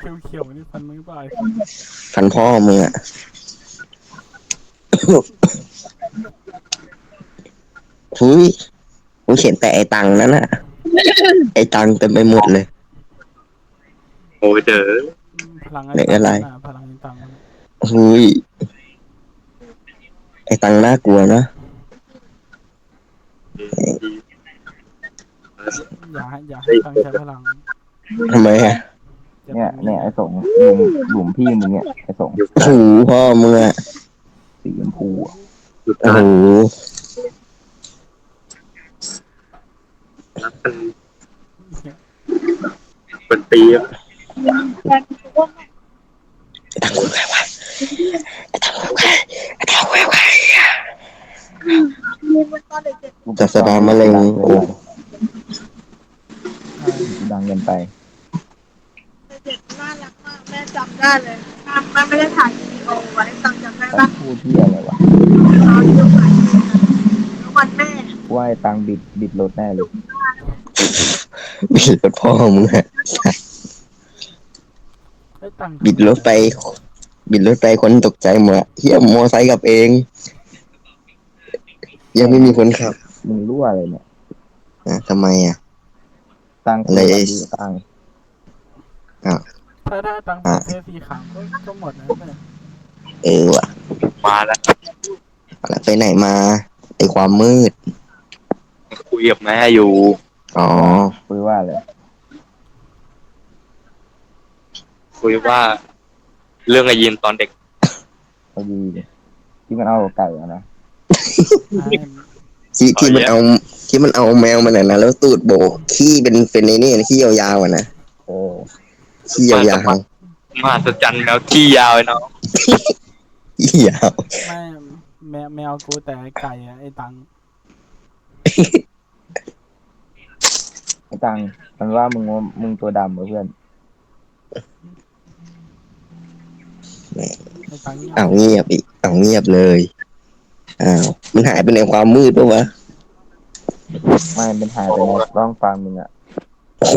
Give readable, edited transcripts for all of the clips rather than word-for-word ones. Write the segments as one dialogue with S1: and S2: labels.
S1: เขียวๆนี่ฟันมือเปล่าไอ้สัตว์
S2: ฟันพ่อมึงอ่ะทุยกูเขียนแต่ไอ้ตังนั้นน่ะไอ้ตังเต็มไปหมดเลย
S3: โอ้ยเด้อ
S1: พลังไอ้
S2: ไหนอะไร
S1: ตังมันน่ะพลังไอ้ตังมันน่ะ
S2: ทุยไอ้ตังน่ากลัวนะ
S1: อย่าให้ตังใช้พลัง
S2: ทำไมอ่ะ
S1: จะ
S4: เนี่ย
S1: เป็น
S4: เนี่ยไอ้สงหลุมพี่มึงเนี่ยไอ้สง
S2: หูพ่อมึงอ่ะ
S4: สีชมพูอ่ะ
S3: หยุด
S2: โอ้
S3: นะ
S2: โห
S3: รักกันเป็นปีอะ
S2: ไอ้ตังกูใครวะไอ้ตังกูใครไอ้ตังกูใครศาสดามะเร็งโอ้
S4: กูดังเกินไป
S5: เด็กน่ารักมากแม่จำได้เลยแม่ไม่ได้ถ่ายวีดีโอไว้จำได้
S4: แต่
S5: ว่า
S4: พูดที่อะไรวะ
S5: ตอนที่ถ่ายวันแม่
S4: ว่าไอ้ตังบิดรถแน่เลย
S2: บิดรถพ่อมึงอ่ะ
S1: ไอ้ตัง
S2: บิดรถไปคนตกใจหมดเฮียมอไซค์กับเองยังไม่มีคนขับ
S4: มึงรู้อะไรเนี่ย
S2: ทำไมอ่ะ
S4: ตัง
S2: อะไร
S4: ตัวดีตัง
S1: ถ้าตังเป็นเสื้อสีขาวก็หมดนะแม่
S2: ว่ะ
S3: มาแล้ว
S2: อะไรไปไหนมาไอความมืด
S3: คุยกับแม่อยู่
S2: อ๋อ
S4: คุยว่าอะไร
S3: คุยว่า เรื่องไอ้ยินตอนเด็ก
S4: พอดีที่มันเอาไก่อะนะ
S2: ที่มันเอาแมวมันนะแล้วตูดโบกขี้เป็นไอ้นี่ขี้ยาวๆอ่ะนะ
S4: เออ
S2: ขี้ยาว
S3: มหัศจรรย์แมวขี้ยาวไอ้น้อง
S2: ๆขี้ยาว
S1: ไม่แมวกูแต่ไก่อะไอ้ตัง
S4: ไอ้ตังมันว่ามึงตัวดำเหรอเพื่อน
S1: ไอ้ตังเงียบ
S2: เอาเงียบอีกเอาเงียบเลยอ้าวมันหายไปในความมืดปะวะ
S4: ไม่เป็นหายไปในร่องฟังมึงอ่ะ
S2: โอ้โห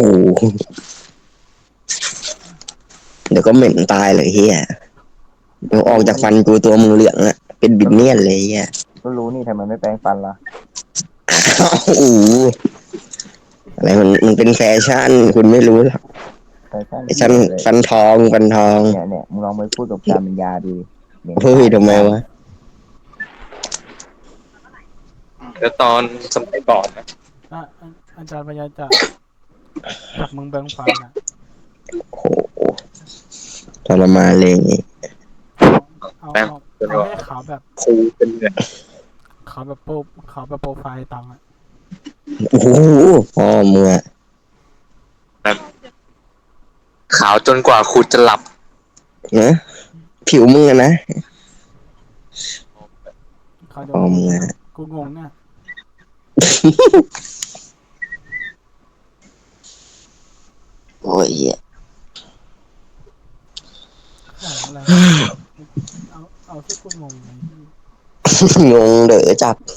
S2: เดี๋ยวก็เหม็นตายเลยเฮียเดี๋ยวออกจากฟันกูตัวมึงเหลืองอะเป็นบิดเนียนเลยเฮีย
S4: ก็รู้นี่ทำไมไม่แปรงฟันล่ะ
S2: โอ้โหอะไรมันเป็นแฟชั่นคุณไม่รู้หรอก
S4: แฟชั่น
S2: ไอ้ฉันฟันทอง
S4: เนี่ยมึงลองไปพูดกับการเป็นยาดูดิ
S2: เฮ้ยทำไมวะ
S3: แล้วตอนสมัยก่อนนะ
S1: อาจารย์พยาจะจับมึงแบงฟันอะ
S2: โอ้โหทรมานเลยอย่างงี้
S1: เอาให้ขาวแบบ
S3: ครูเป็นเนี่ย
S1: ขาวแบบโปรไฟล์ตังอะ
S2: โอ้โหพ่อมึงอะ
S3: ขาวจนกว่าครูจะหลับ
S2: นะผิวมึงอะนะ
S1: เขาจะ
S2: พ่อมึงอะ
S1: กูงงเนี่ย
S2: โอ้ยเหี้ย
S1: ของอะไรเอาที่กูงงเลย
S2: งงเด้อจับ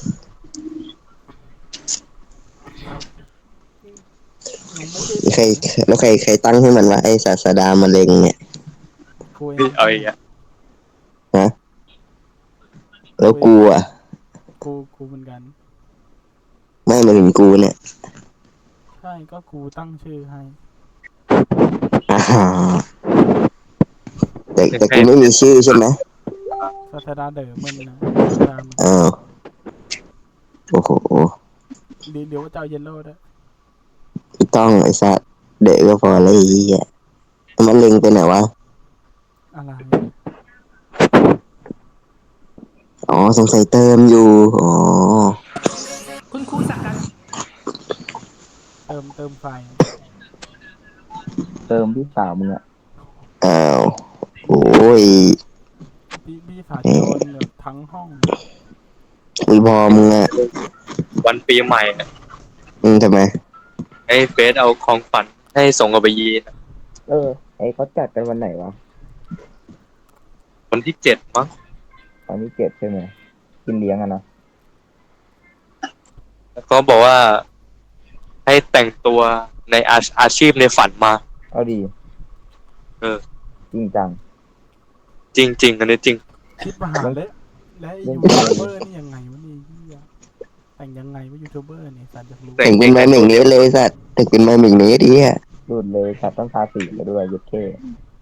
S1: งงไม่ใช่
S2: ใครตั้งให้มันว่าไอ้ศาสดามะเร็งเนี่ย
S1: กูเอง
S3: เอาอีกอ่ะ
S2: ฮะแล้วกูอ่ะ
S1: กูเหมือนกัน
S2: ไม่มาถึงกูเนี่ย
S1: ใช่ก็กูตั้งชื่อให้
S2: อ่าแต่กูไม่มีชื่อใช่ไหม
S1: ศาสดาเด๋อมันนะศาสดามัน
S2: อ้าวโอ้โห
S1: เดี๋ยวว่าจะเอาเยลโล่ด้วย
S2: ไม่ต้องไอ้สัสเด็กก็พอแล้วไอ้เหี้ยมันเล็งไปไหนวะ
S1: อะไร
S2: อ๋อสงสัยเติมอยู่อ๋อ
S1: คุณครูสั่งการเติมไฟ
S4: เติมพี่สาวมึงอ่ะ
S2: อ้าวโอ้ย
S1: พี่สาวโดนแบบทั้งห้อง
S2: อุ้ยพอมึงอ่ะ
S3: วันปีใหม่อะ
S2: ทำไม
S3: ให้เฟซเอาของฝันให้ส่งกับไปยีน
S4: ไอ้เขาจัดกันวันไหนวะ
S3: วันที่7มั้ง
S4: ตอนที่7ใช่ไหมกินเลี้ยงอะนะ
S3: แล้วก็บอกว่า ให้แต่งตัวในอาชีพในฝันมา
S4: เอาดีจริงจัง
S3: จริงอันนี้จริง
S1: คิดมาหาเลยและยูทูบเบอร์นี่ยังไงวะนี่เหี้ยแต่งยังไงวะยูทูบเบอร์นี่สัตว์อยากรู้
S2: แต่งเป็นไม้เหม่งเละเลยสัตว์แต่งเป็นไม้เหม่งเละดิอ่ะ
S4: ดูดเลยสัตว์ต้องทาสีมาด้วยยุดเท่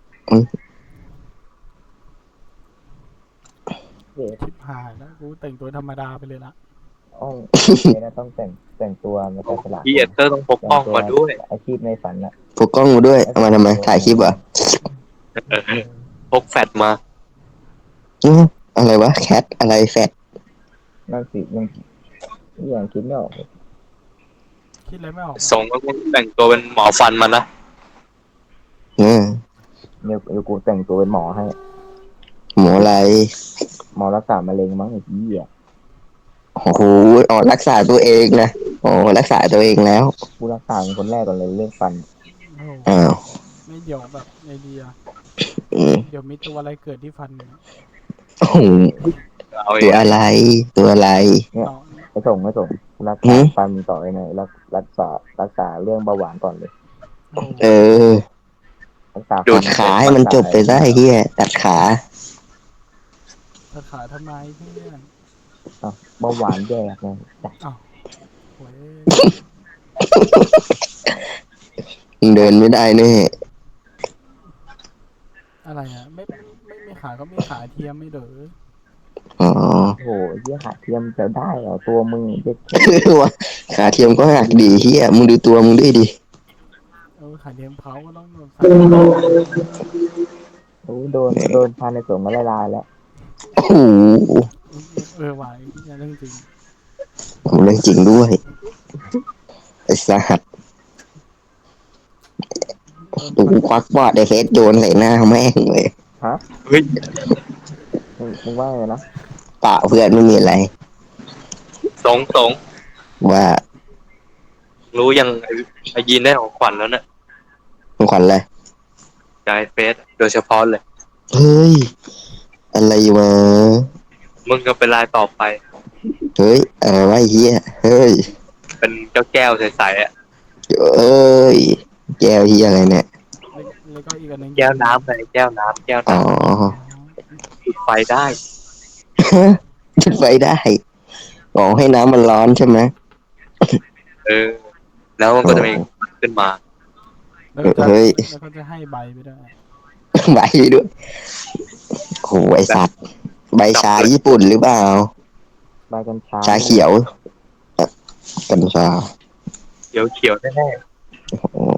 S4: เด็ก
S1: คิดหายแล้วกูแต่งตัวธรรมดาไปเลยละ
S4: อ้องเลยนะต้องแต่งตัวมาแต่สลัด
S3: พี่เอเตอร์ต้องพกกล้องมาด้วย
S4: อาชีพในฝันอะ
S2: พกกล้องมาด้วยเอามาทำไมถ่ายคลิปเหรอ่ะ
S3: พกแฟลชมา
S2: อะไรวะแคทอะไรแฟด
S4: นั่นสิยังคิดไม่ออกเลย
S1: คิดอะไรไม่ออก
S3: ส่งแล้วก็แต่งตัวเป็นหมอฟันมานะ
S2: เดี๋
S4: ยวกูแต่งตัวเป็นหมอให้
S2: หมออะไร
S4: หมอรักษามะเร็งมั้งไอ้เหี้ย
S2: โอ้โหอ๋อรักษาตัวเองนะอ๋อรักษาตัวเองแล้ว
S4: กูรักษาเป็นคนแรกก่อนเลยเรื่องฟัน
S1: โอ้โห
S2: อ้าว
S1: ไม่เดี๋ยวแบบไอเดีย
S2: อืม
S1: เดี๋ยวมีตัวอะไรเกิดที่ฟันเนี่ย
S2: โอ้โห
S3: เอาเอ
S2: ตัว
S3: ง
S2: อะไรตัวอะไร
S1: น้อง
S4: ไม่ส่งกูรัก
S2: หื
S4: ษาม ฟันต่อไปหน่อยรักษาเรื่องเบาหวานก่อนเลย
S1: โอ้โห
S2: เออ
S4: รักษา
S2: ตัดขาให้มันจบไปได้เฮียตัดขา
S1: จะขายทำไมเพื่อน
S4: เบาหวานแย่ไงจ้ะ
S1: โอ้ย
S2: เดินไม่ได้แน่
S1: อะไรอ่ะไม่ขาก็ไม่ขาเทียมไม่เด้อ
S2: อ๋อ
S4: โอ้โหเหี้ยขาเทียมจะได้เหรอตัวมึงเด็ก
S2: ว่าขาเทียมก็หักดีเฮียมึงดูตัวมึงด้วยดิ
S1: ขาเทียมเขาก็ต้องใส่
S4: โอ้โดนพาในสงฆ์มาละลายแล้ว
S2: โอ้โห
S1: ไหวเรื่องจริง
S2: ผมเรื่องจริงด้วยไอ้สหัสกูควักบอดไอ้เฟสโยนใส่หน้าแม่งเลย
S3: เฮ้ย
S4: มึงว่าไงนะ
S2: เปล่าเพื่อนไม่มีอะไร
S3: สง
S2: ว่า
S3: รู้ยังไอ้ยีนได้ของขวัญแล้วเนี่ย
S2: มึงขวัญอะไร
S3: ใจเฟสโดยเฉพาะเลย
S2: เฮ้ยอะไรวะ
S3: มึงก็เป็นรายต่อไป
S2: เฮ้ยอะไรวะไอ้เฮียเฮ้ย
S3: เป็นเจ้าแก้วใสๆอ่ะ
S2: เอ้ยแก้วเฮียอะไรเนี่ย
S1: แล้วก็อีกอันหนึง
S3: แก้วน้ำไงแก้วน้ำ
S2: อ๋อ
S3: จุดไฟได้
S2: จุดไฟได้อ๋อให้น้ำมันร้อนใช่ไหม
S3: แล้วมันก็จะมีขึ้นมา
S1: แล้วก็จะให้ใบไปด้วย
S2: ใบด้วยโหไอสัตว์ใบชาญี่ปุ่นหรือเปล่า
S4: ใบกัญชา
S2: ชาเขียวกัญชา
S3: เขียวแน่
S2: โอ้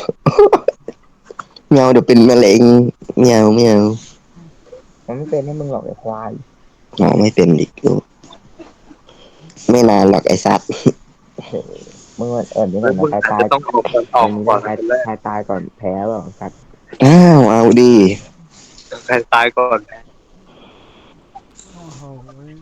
S2: เมียวเดี๋ยวเป็นมะเร็งเมียว
S4: มันไม่เป็นให้มึงหรอกไอ้ควาย
S2: อ๋อไม่เป็นอีกลูกไม่นานหรอกไอสัตว์
S4: มึงแอบนี้
S3: ๆ
S4: ก่อน
S3: มึง
S4: นะ
S3: อาจ
S4: ตาย
S3: จะต้องออก
S4: มี
S3: ก่อน
S4: ใครตายก่อนแพ้เปล่าสัตว์
S2: อ้าวเอาดี
S3: ใครตายก่อน
S1: โอ้โห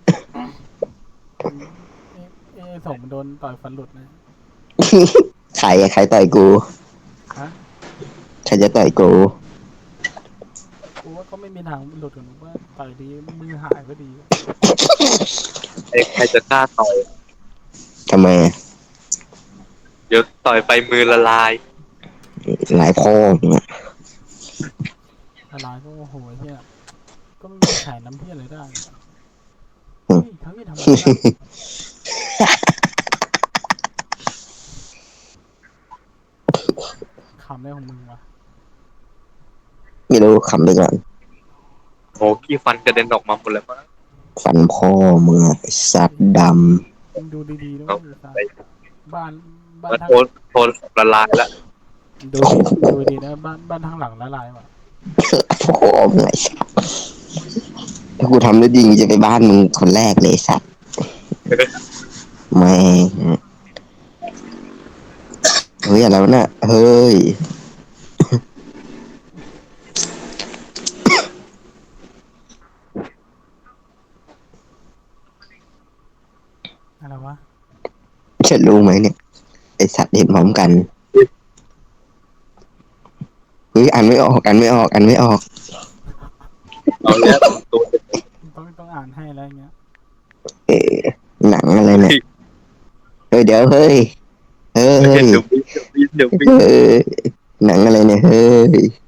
S1: ส่งมันโดนต่อยฟันหลุดนะ
S2: ใครต่อยกู
S1: ฮะ
S2: ใครจะต่อยกู
S1: กูว่าก็ไม่มีทางหลุดกันว่าต่อยดีมือหายก็ดี
S3: ใครจะกล้าต่อย
S2: ทำไมอะ
S3: เดี๋ยวต่อยไปมือละลาย
S2: หลายพ่อเนี่ย
S1: อะไรก็โอ้โหเฮียก็ไม่มีแขนน้ำเพี้ยอะไรได้เฮ้ยทั้งที่ทำอะไรขำได้ของมึงวะ
S2: ไม่รู้ขำไปก่อน
S3: โหขี้ฟันกระเด็นออกมาหมดเลยมั้ง
S2: ฟันพ่อมึงอะไอ้สัตว์ด
S1: มึงดูดีๆนะบ้าน
S3: มัน
S1: ทั้ง
S3: โทนละลายแล้ว
S1: ดูดีนะบ้านทั้งหลังละลายว่ะ
S2: ำพ่อมึงไอ้สัตว์ถ้ากูทำได้ดีกูจะไปบ้านมึงคนแรกเลยไอ้สัตว์แม่งเฮ้ยอะไรวะน่ะเฮ้ย
S1: อะไรวะ
S2: จะรู้ไหมเนี่ยไอสัตว์เห็นพร้อมกันเฮ้ยอ่านไม่ออก
S3: เอาแล้วตัว
S1: ต้องอ่านให้อะไรเงี้ย
S2: หนังอะไรเนี่ยเฮ้ยเดี๋ยวเฮ้ยเฮ้ย
S3: เดี๋ยว
S2: หนังอะไรเนี่ยเฮ้ย